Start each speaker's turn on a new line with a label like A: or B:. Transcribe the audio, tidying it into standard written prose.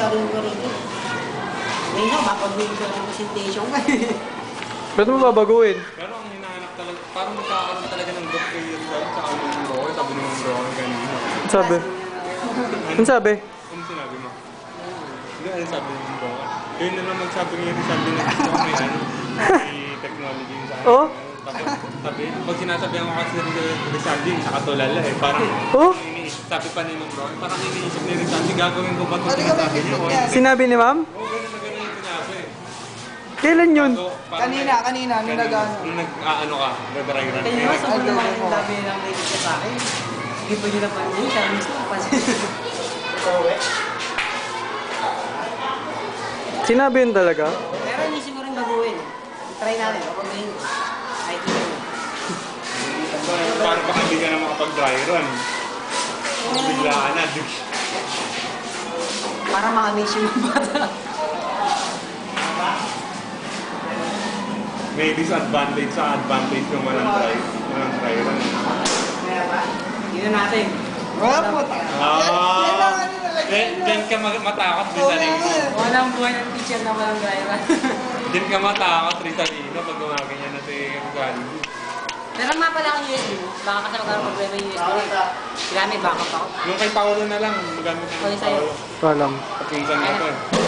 A: gagawin ko rin yun. Ngayon nga, mapag-win ko ng presentation ka.
B: Ba't mo babaguhin?
C: Pero ang hinahanap talaga, parang magkakaroon talaga ng good career job sa ano ng bro, sabi ng bro kanina.
B: Ano sabi? Ano sabi?
C: Ano sinabi mo? Hindi, ano sabi ng bro? Yun na lang magsabi niya, sabi na gusto ko may ano, may technology sa akin.
B: Oh?
C: Tapos sabi, pag sinasabihan ko kasi Rizaldi, nakatulala eh. Parang,
B: Oh?
C: sabi pa ni Ma'am Bro, parang iniisip ni Rizaldi, gagawin ko ba ito sinasabi niya?
B: Sinabi ni ma'am?
C: Oo, ganun yung sinabi.
B: Kailan yun?
C: So, parang
D: Kanina, nung nag-ano.
C: Nung nag-ano ka, nag-dry-run.
A: Kaya nga, sobrang naman yung dami ng native ka sa akin. Sige pa nyo na pa yun, siya mismo kasi.
B: Sinabi yun talaga?
A: Pero inisip ko rin baguhin. Try natin, kapag ngayon. Ay,
C: Parang baka hindi ka na makapag-dry run. Bigla ka na.
A: para ma-amaze yung bata.
C: May disadvantage sa advantage yung walang dry run.
A: Yun na natin.
D: Wala po.
C: Diyan ka matakot, Rizalino.
A: Walang buhay ng teacher na walang driver.
C: Diyan ka matakot, Rizalino, pag gumaganyan na si Rizalino.
A: Pero nga pala ang USB mo, baka kasi magkaroon problema yung USB mo. Kailangan may backup ako.
C: Yung kay Paolo na lang, magamit
A: Okay,
C: ng
A: sa'yo.
C: Paolo.
B: Walang.
C: Kapinsan na to eh.